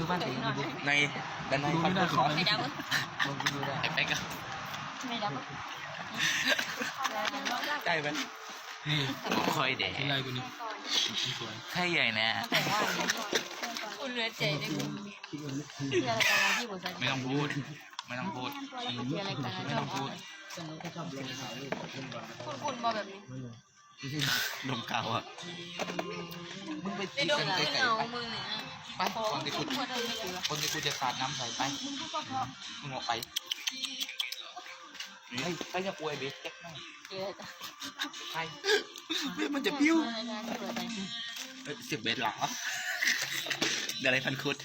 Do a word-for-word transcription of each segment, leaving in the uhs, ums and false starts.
บ้านเองดูในด้านในดูไม่ได้คอมไม่ดับลงไปดูได้ไอ้แป๊กอะไม่ดับได้ไหมนี่คอยแดกอะไรกูนี่สวยใช่ใหญ่นะแต่ว่าคุณเหลือใจได้คุณที่อะไรกันนะที่บริษัทไม่ต้องพูดไม่ต้องพูดที่อะไรกันนะไม่ต้องพูดคุณคุณมาแบบนี้นมเก่าอ่ะมึงไปได้จีดกัมนขึ้นไกลเอามือเนี่ยๆไปคนที่กูคนที่กูจะสาดน้ำใส่ไปมึงออกไปเฮ้ยไปจะป่วยเบสแจ็คหน่อยเยอะจ้ะไปเฮ้ยมันจะปิ้วเปิดใจเฮ้ยสิบเบสเหรอเดี๋ยวอะไรพันคุด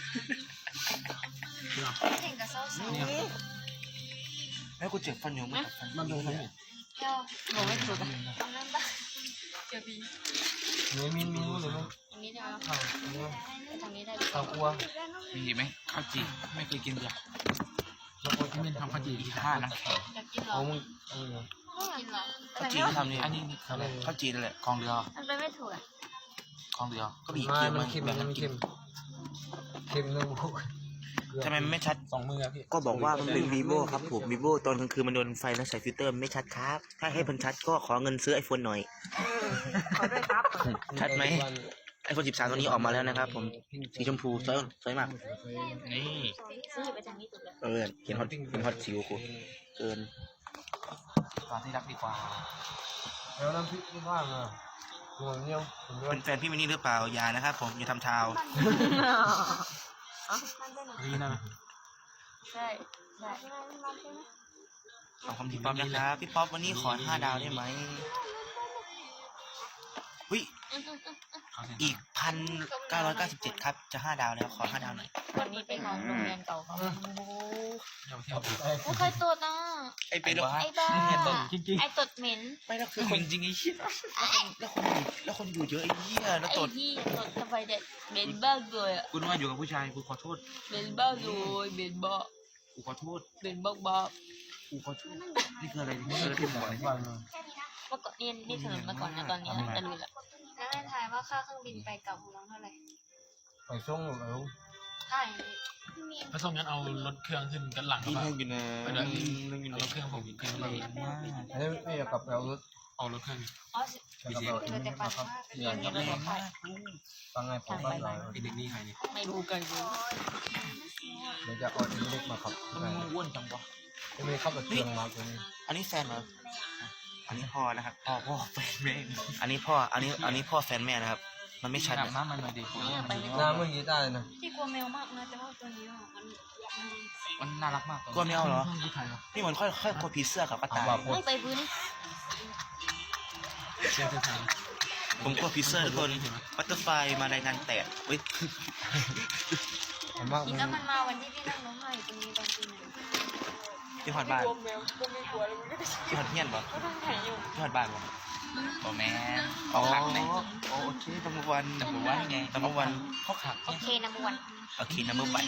เก่งกับเศร้าเศร้าเนี่ยแล้วกูเจ็บฟันอยู่มั้งฟันมันดูเขาเนี่ยเจ้าบอกไม่ถูกอ่ะทำนั่นบ้างเจอบีเนื้อมินมินเลยมั้ยอย่างนี้ได้ไหมข้าวเนื้อทางนี้ได้ข้าวคั่วมีไหมข้าวจีไม่เคยกินเลยแล้วก็ที่มินทำข้าวจี่อีกห้านะอยากกินเหรอเอามึงเออกินเหรอข้าวจีที่ทำนี่อันนี้ข้าวจีนั่นแหละกองเรือมันไปไม่ถูกอ่ะกองเรือก็มีมาเคี้ยวมัมัน นเค็มแบ่งมักันนกิเค็นมเค็มนึงพวกทำไมมันไม่ชัดสองมือครับพี่ก็บอกว่ามันเป็น vivo ครับผม vivo ตอนกลางคืนมันโดนไฟแล้วใส่ฟิลเตอร์ไม่ชัดครับ ถ้าให้มันชัดก็ขอเงินซื้อ iPhone หน่อยขอด้วยครับชัดไหม iPhone สิบสามตัวนี้ออกมาแล้วนะครับผม สีชมพูสวยสวยมาก นี่ซื้อไปจากนี้สุดเลยเออเห็นฮอตเห็นฮอตสิวกูเกินตอนที่รักดีกว่าแล้วน้ำพริกที่ว่างอ่ะหัวเนี้ยผมด้วยเป็นแฟนพี่มินนี่หรือเปล่าอย่านะครับผมอย่าทำเท้านี่นะใช่ใช่ขอบคุณพี่ป๊อปนะครับพี่ป๊อปวันนี้ขอห้าดาวได้ไหมวิ อีกพันเก้าร้อยเก้าสิบเจ็ดครับ จะห้าดาวแล้ว ขอห้าดาวหน่อยวันนี้เป็นของโรงเรียนเก่าเขาเดี๋ยวเที่ยวโอ้ใครตดอ่ะไอ้เป็นไอ้บ้าจริงไอ้ตดเหม็นไม่แล้วคือคนจริงไอ้เหี้ยแล้วคนแล้วคนอยู่เยอะไอ้เหี้ยแล้วไอ้ตดที่ตดทำไมเด็ดเหม็นบ้าเลยอ่ะคุณว่าอยู่กับผู้ชายกูขอโทษเหม็นบ้าเลยเหม็นบ้ากูขอโทษเหม็นบ้าบ้ากูขอโทษนี่คืออะไรนี่คืออะไรที่หมอเลยๆว่างอ่ะเมื่อก่อนนี่นี่ถนนเมื่อก่อนนะตอนนี้ตะลุยละแล้วให้ทายว่าค่าเครื่องบินไปกลับของเราเท่าไหร่ไปส่งแล้วใช่ถ้าส่งงั้นเอารถเครื่องขึ้นกันหลังที่ครับนั่งอยู่นะไปด้วยนั่งอยู่เอานะรถเครื่องผมขึ้นเลยมากอันนี้ไม่อยากกลับไปเอารถเอารถเครื่องอ๋ออยากกลับไปเอาที่นี่มาครับเรียนนี้รถไฟฟังไงผมบ้านเราไอเด็กนี่ใครเนี่ยไม่รู้กันเลยเดี๋ยวจะเอาที่เล็กมาครับทำไมมึงอ้วนจังวะจะมีเข้ากับเครื่องมาตัวนี้อันนี้แฟนเหรออันนี้พ่อนะครับพ่อพ่อแฟนแม่อันนี้พ่ออันนี้อันนี้พ่อแฟนแม่นะครับ มันไม่ชัดอาบนะน้ำมันหน่อยดิเนี่ยไปไม่หน้ามึงกีตาร์เลยนะที่กลัวแมวมากนะแต่ว่าตัวนี้อ่ะมันมันมันน่ารักมากกลัวแมวเหรอผู้ชายเหรอนี่เหมือนค่อยค่อยกลัวผีเสื้อกับกระเอาต่ายบาปพูดไม่ไปพื้นเชื่อเธอทางผมกลัวผีเสื้อทุกคนบัตเตอร์ไฟมารายงานแตกเฮ้ยผมมากอีมึกงแล้วมันมาวันที่พี่นั่งร้องไห้ตรงนี้ตอนตีหนึ่งที่หอดบ้านกลัวแมวก็ไม่กลัวแล้วมันก็จะที่หอดเฮียนปะก็ต้องถ่ายอยู่ที่หอดบ้านปะโอ้แม่อ๋อโอเคนัมเบอร์วันนัมเบอร์วันไงนัมเบอร์วันเขาขับโอเคนะบวนโอเคนัมเบอร์วัน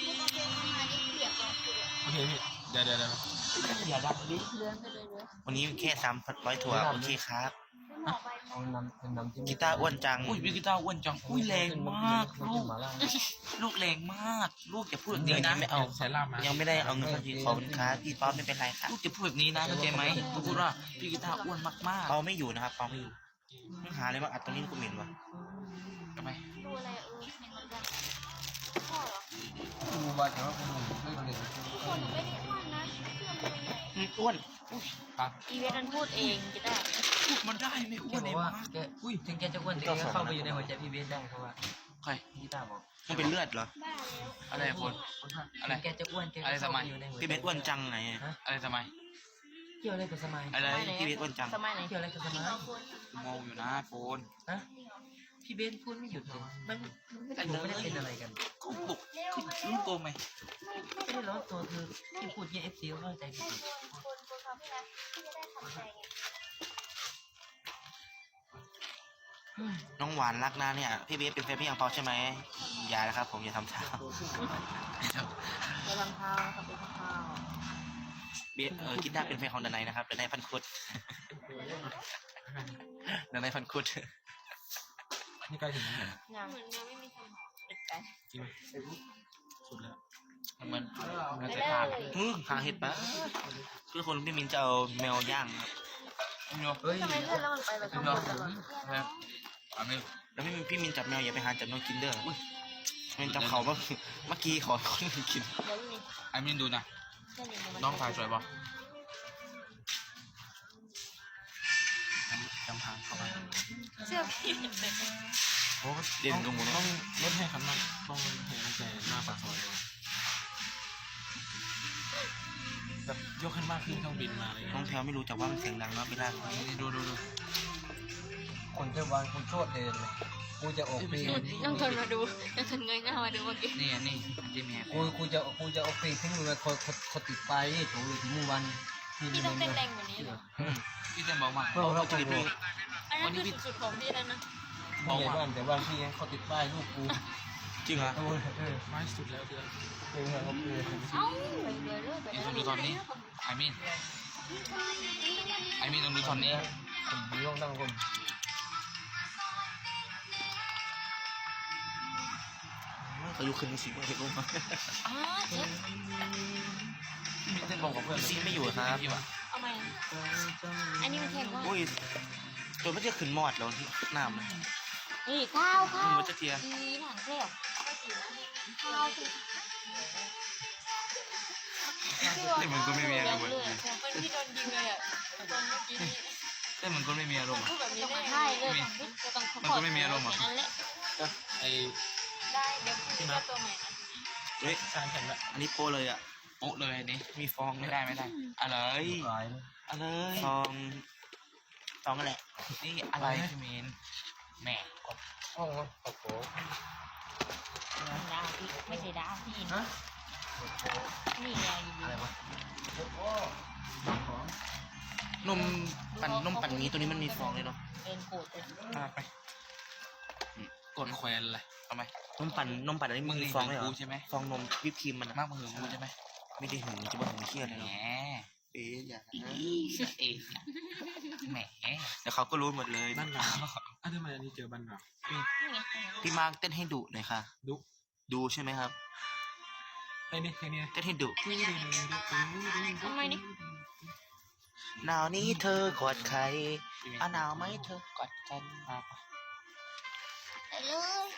โอเคพี่เดี๋ยวเดี๋ยวเดี๋ยวอย่าดังดิเลื่อนไปเลยเลยวันนี้แค่สามร้อยถั่วโอเคครับเอาน้ำเป็นน้ำจิ้มกีตาร์อ้วนจังอุ้ยพี่กีตาร์อ้วนจังอุ้ยแรงมากลูกมาล่าลูกแรงมาก ลูกอย่าพูดแบบนี้นะไม่เอาใส่ลาบมายังไม่ได้เอาเงินสักทีขอบคุณครับพี่ป๊อปไม่เป็นไรครับลูกจะพูดแบบนี้นะเข้าใจไหมลูกพูดว่าพี่กีตาร์อ้วนมากเปาไม่อยู่นะครับเปาไม่อยู่มึงหาอะไรมาอัดตรงนี้กูเหม็นวะๆทำไมดูอะไรเออเหมือนกันพ่อเหรอดูบาดแต่ว่าคุณเล่นเล่นคนไม่ได้อ้วนนะเพื่อนตัวใหญ่อืมอ้วนปั๊บอีเวนต์มันพูดเองจะได้พูดมันได้ไม่อ้วนเลยมากแกอุ้ยถึงแกจะอ้วนแต่แกก็เข้าไปอยู่ในหัวใจพี่เบสได้เพราะว่าใครพี่ตาบอกมันเป็นเลือดเหรอบ้าแล้วอะไรคน อะไรถึงแกจะอ้วนแกก็อะไรสเข้ามัไปยอยู่ในหัวใจพี่เบสอ้วนจังไงอะไรทำไมเกี่ยวอะไรกับสมัยอะไรพี่เบสอ้วนจังสมัยไหนเกี่ยวอะไรกับสมัยมองอยู่นะโฟนฮะพี่เบสพูดไม่หยุดเลยมันมันไม่ได้ไม่ได้เป็นอะไรกันก็ปลุกขึ้นรู้ตัวไหมไม่ได้ร้อนตัวคือที่พูดเนี่ยเอฟซีเข้าใจผิดคนคนเขาพี่นะพี่จะได้ทำใจไงน้องหวานรักนะเนี่ยพี่เบสเป็นแฟนพี่ยังเปาใช่ไหมอย่านะครับผมอย่าทำเท้าไปทำเท้าครับไปทำเท้าเบสเออกีตาร์เป็นแฟนของดนายนะครับดนายพันคุดดนายพันคุดนี่ใกล้ถึงแล้วยังเหมือนแมวไม่มีสมองติดกันจริงไหมสุดแล้วมันมันไปจะเลทานยอือหาเห็ดปะคือคนพี่มินจะเอาแมวย่างครับเฮ้ยทำไมเลื่อนแล้วมันไปแบบข้างบนตลอดครับอันนี้แล้วพี่มินพี่มินจับแมวอย่าไปหาจับแมวกินเด้ออุ้ยมันจับเขาเมื่อเมื่อกี้ขอคนอื่นกินเดี๋ยวนี่อันนี้ดูนะเลื่อนนี่มันน้องถ่ายสวยป่ะจำทางเข้าไปเสื้อพี่โอ้เด่นตรงหมดต้องลดให้ขันมันต้องให้มันใจหน้าปากซอยเลยแบบยกขึ้นมากขึ้นเครื่องบินมาอะไรน้อเงี้งยแพลวไม่รู้จักว่ามันเสียงดังนะเวลานี่ดูดูดูคนเทวันคนโชดเองกูจะออกปีน้องทนมาดูน้องทนเงยหน้ามาดูเมื่อกี้นี่นี่ที่แม่กูกูจะกูจะออกปีทิ้งมือคนคนติดไปถูอยู่ที่มือวันที่พี่นี่ต้องเต้นแรงกว่านี้เหรอพี่เต้นเบามากเราเราจะดูอันนั้นคือสุดๆของพี่แล้วนะไม่ใหญ่บ้านแต่ว่าพี่เขาติดป้ายลูกกูจริงเหรอเออเออไม่สุดแล้วเพื่อนเออเขาเออเอ้าไปเลยเรื่อยไปนี่ต้องดูตอนนี้ไอมินไอมินต้องดูตอนนี้ผมดูต้องตั้งคนเขาอยู่คืนสิบเห็นรู้ไหมอ๋อเช็คพี่มินเต้นบอกกับเพื่อนซีไม่อยู่ครับพี่วะเอาใหม่อันนี้มันแทงว่าอุ้ยตัวไม่จะขึ้นมอดแล้วน้ำเลยนี่ข้าวข้าวมันจะเทียดีหนังเปรี้ยวข้าวคือเต้นเหมือนคนไม่มีอารมณ์เลยอะเหมือนที่โดนยิงเลยอ่ะตอนเมื่อกี้นี้เต้นเหมือนคนไม่มีอารมณ์พูดแบบนี้ได้ใช่เลยจะต้องมันก็ไม่มีอารมณ์อะนั่นแหละไอ้ได้เดี๋ยวพี่จะตัวใหม่นะเฮ้ยการแข่งละอันนี้โปเลยอ่ะโป๊ะเลยอันนี้มีฟองไม่ไม่ได้ได้ไม่ได้อะไรหลายอะไรฟองฟองกันแหละนี่อะไรพี่มินแหมห้องนะโอ้โหดาวพี่ไม่ใช่ดาวพี่ฮะนี่ไงอะไรวะโอ้โหนมปั่นนมปั่นหมีตัวนี้มันมีฟองเลยเนาะเดินโกรธเลยอ่ะไปกดแควนเลยทำไมนมปั่นนมปั่นอันนี้มึมึงงนี่มีฟองเลยเหรกูอใช่ไหมฟองนมวิปครีมมันอะมากมึงหึงกูใช่ไหมไม่ได้หึงจะว่าหึงเครียดเลยแหมเนาะเอ๊ะอย่านะเองแหมเดี๋ยวเขาก็รู้หมดเลยบ้านหนาวอ่ะทำไมอันนี้เจอบ้านหนาวนี่ไงพี่มาร์คเต้นให้ดุหน่อยค่ะดุดูใช่ไหมครับไอ้นี่ไอ้นี่เต้นให้ดุทำไมนี่หนาวนี้เธอกอดใครอ่ะหนาวไหมเธอกอดกันมาไปเลย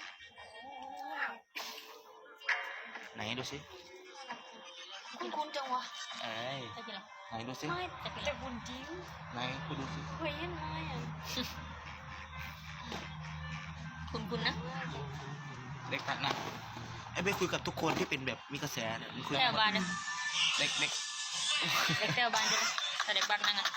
ไหนดูสิคุณคุณจังวะเอ้ยจะกินหรอไหนดูสิไม่แต่เป็นแต่บุญจริงไหนกูดูสิเฮ้ยยังไงอ่ะคุณคุณนะเล็กตัดนะไอ้ไปคุยกับทุกคนที่เป็นแบบมีกระแสเนี่ยมันคุยแต่บ้านนะเล็กเล็กเด็กแต่บ้านจะแต่เด็กบ้านนั่งอ่ะ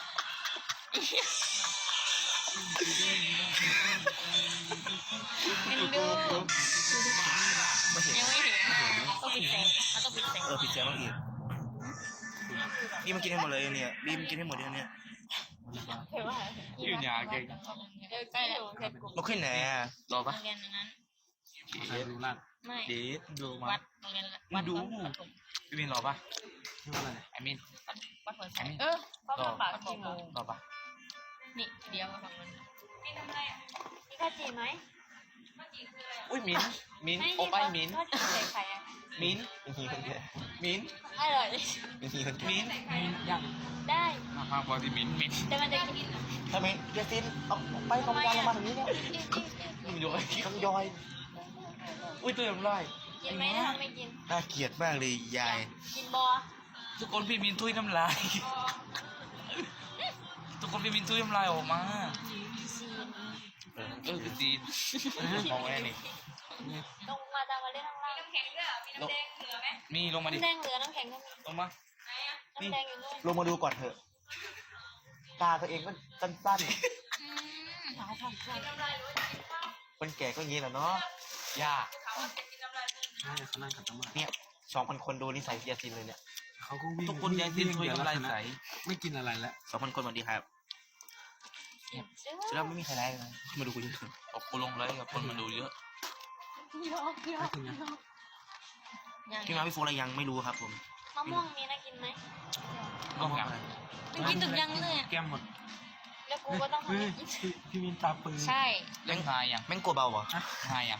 เอ็นดูไม่เห็นยังไม่เห็นต้องปิดแสงมันต้องปิดแสงเออผิดแสงบ้างอีกนี่มันกินให้หมดเลยเนี่ยบีมกินให้หมดเลยเนี่ยเห็นว่าชื่อยาเก่งเออใกล้แล้วเสร็จกูนกขึ้นไหนอ่ะรอโรปะงเรียนนั้นใครรู้ลั่นไม่เดทดูมาวัดโรงเรียนวัดวัดปฐมพี่มินรอปะชื่อว่าอะไรไอมินวัดหัวใจเออพ่อมาฝากกี่โมงรอปะนี่เดียวกับมันพี่ทำอะไรอ่ะพี่ข้าวจีไหมอุ้ยมินมินไม่โอ้ไปมินข้าวจีใส่ไข่อ่ะมินเป็นทีคนเดียวมินอร่อยเป็นทีคนเดียวมินมีย่างได้มาพาพอที่มินมินแต่มันจะกินทำไมเจสซินออกไปกองกลางลงมาทางนี้เนี่ยมึงอยู่ไอ้ต้องยอยอุ้ยตัวยังไรกินไหมถ้าไม่กินน่าเกลียดมากเลยยายกินบอทุกคนพี่มินทุยน้ำลายทุกคนพี่มินทุยน้ำลายออกมาซีนเออเออคือจีนมองไว้นี่ลงมาตามมาเล่นข้างล่างน้ำแข็งด้วยมีน้ำแดงเหลือไหมมีลงมาดิน้ำแดงเหลือน้ำแข็งก็มีลงมาน้ำแดงอยู่นู่นลงมาดูก่อนเถอะ ตาตัวเองก็สั้นหาทางเข้าๆคนแก่ก็อย่างนี้แหละเนาะย่าใช่เขานั่งขัดสมาธิเนี่ยสองพันคนดูนิสัยเจสซินเลยเนี่ยเขาก็วิ่งทุกคนยายจีนทุยน้ำลายใสไม่กินอะไรแล้วสองพันคนสวัสดีครับแล้วไม่มีใครไลฟ์เลยมาดูกูเยอะออกกูลงเลยกับคนมาดูเยอะยอกยอไม่กกินยังยังพี่มาพี่โฟอะไรยังไม่รู้ครับผมมะม่วงมีนะกินไหมก็แบบมันกินถึงยังเลยแก้มหมดแล้วกูก็ต้องทำเฮ้ยให้กินพี่พี่มินตาปืนใช่เล่นหายยังแม่งกลัวเบาเหรอหายยังฮ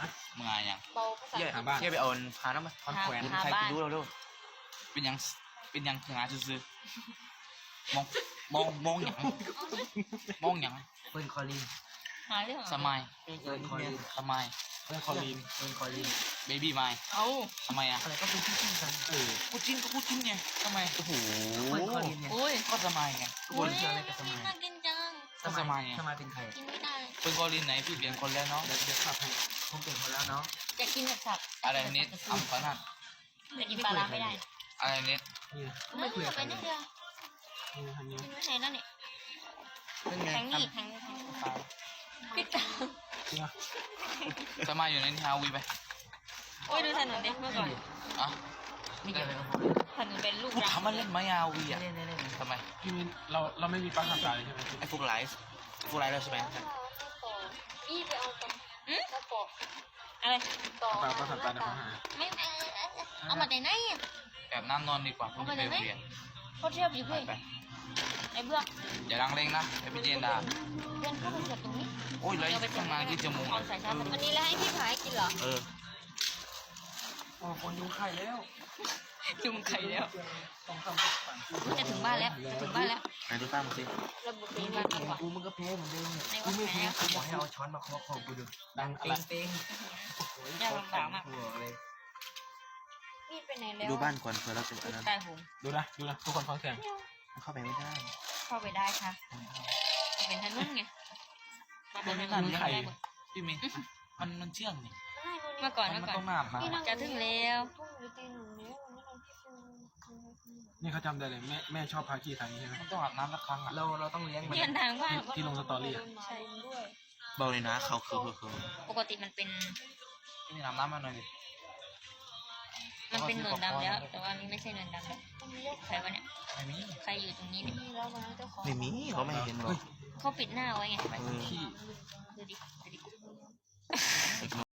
มึงอะไรอย่างเบาภาษาเย่หาบ้านเย่ไปเอาพาน้ำมาคอนแขวนหาใครบ้านไปดูเราดูเป็นยังเป็นยังถึงอาซื้อๆมองมองมองอย่างมองอย่างเฟิร์นคอลินหาเรื่องสมัยเฟิร์นคอลินสมัยเพื่อนคอลีนเฟิร์นคอลินเบบี้ไมเอาทำไมอ่ะอะไรก็เป็นที่จิ้นกันเออพูดจิ้นก็พูดจิ้นไงทำไมโอ้โหเฟิร์นคอลินเนี่ยโอ้ยก็สมัยไงทุกคนเชื่ออะไรกับสมัยน่ากินจังก็สมัยไงสมัยเป็นใครกินไม่ได้เป็นกอลินไหนพี่เปลี่ยนคนแล้วเนาะเดี๋ยวเดี๋ยวขับให้ผมเป็นคนแล้วเนาะจะกินแบบสับอะไรเน็ตอัมพนัทแต่กินปลาร้าไม่ได้อะไรเน็ตนี่นะไม่คุยไปนิดเดียวนี่นะทางนี้กินไม่ไหนนั่นนี่เป็นไงแทงนี่แทงนี่แทงนี่พี่ตาจริงอ่ะสมัยอยู่ในทีฮาวีไปโอ้ยดูถนนเด็กเมื่อก่อนอ่ะไม่เกี่ยวอะไรกับผมถนนเป็นลูกพูดรังทำมันเล่นไหมฮาวีอ่ะเล่นเล่นเล่นทำไมพี่มินเราเราไม่มีปลั๊กทำการเลยใช่ไหมพี่ไอ้พวกไลฟ์พวกไลฟ์แล้วใช่ไหมพี่ไปเอาตรงกระปอกอะไรต่อปลั๊กปลั๊กทำการเดี๋ยวเขาหาไม่ไม่เอามาแต่ไหนอ่ะแบบน้ำนอนดีกว่าผมจะไปเปลี่ยนเขาเทียบอยู่ไปพี่ไปไอ้เบื้องอย่าดังเร่งนะไปเป็นเจนดาเพื่อนเข้าไปเสียบตรงนี้โอ้ยไรข้างในที่จมูกเอาใส่ชาร์จวันนี้แล้วให้พี่ผายกินเหรอเออโอ้คนดูไข่แล้วจุ่มไข่แล้วจะถึงบ้านแล้วจะถึงบ้านแล้วไหนดูตั้มสิระบุตีบ้านดีกว่ากูมึงก็แพ้เหมือนเดิมเนี่ยในกูวัดไม่ไหนแพ้อะกูบอกให้เอาช้อนมาเคาะของกูดูดังอะเต็ไรงเต็งยากลำบากมากหัวเลยพี่ไปไหนแล้วดูบ้านก่อนเผื่อเราจะอันนั้นตายหงดูนะดูนะทุกคนฟังเสียงเข้าไปไม่ได้เข้าไปได้ค่ะเป็นถนนไงมาเป็นถนนไข่พี่มีมันมันเชื่องนี่เมื่อก่อนมัเมื่อก่อต้อน งน้ำนะจะถึงแล้วทุ่งหรือตีหนึ่งแล้ววันนี้เราพี่เป็นนี่เขาจำได้เลยแม่แม่ชอบพากี้ทางนี้ใช่ไหมมันต้องอาบน้ำละครั้งอ่ะเราเราต้องเลี้ยงมันเยืนทางบ้านที่ลงสตอรี่อ่ะใช่ด้วยเบาเลยนะเขาคือคือคือปกติมันเป็นพี่มีน้ำน้ำมาหน่อยดิมันเป็นหนวดดำแล้ว แต่ว่านี่ไม่ใช่หนวดดำแล้วใครวะเนี่ยไม่มีใครอยู่ตรงนี้เนี่ยมีแล้วนะเจ้าของไม่มีเขาไม่เห็นหรอกเขาปิดหน้าไว้ไงเออดูดิดูดิ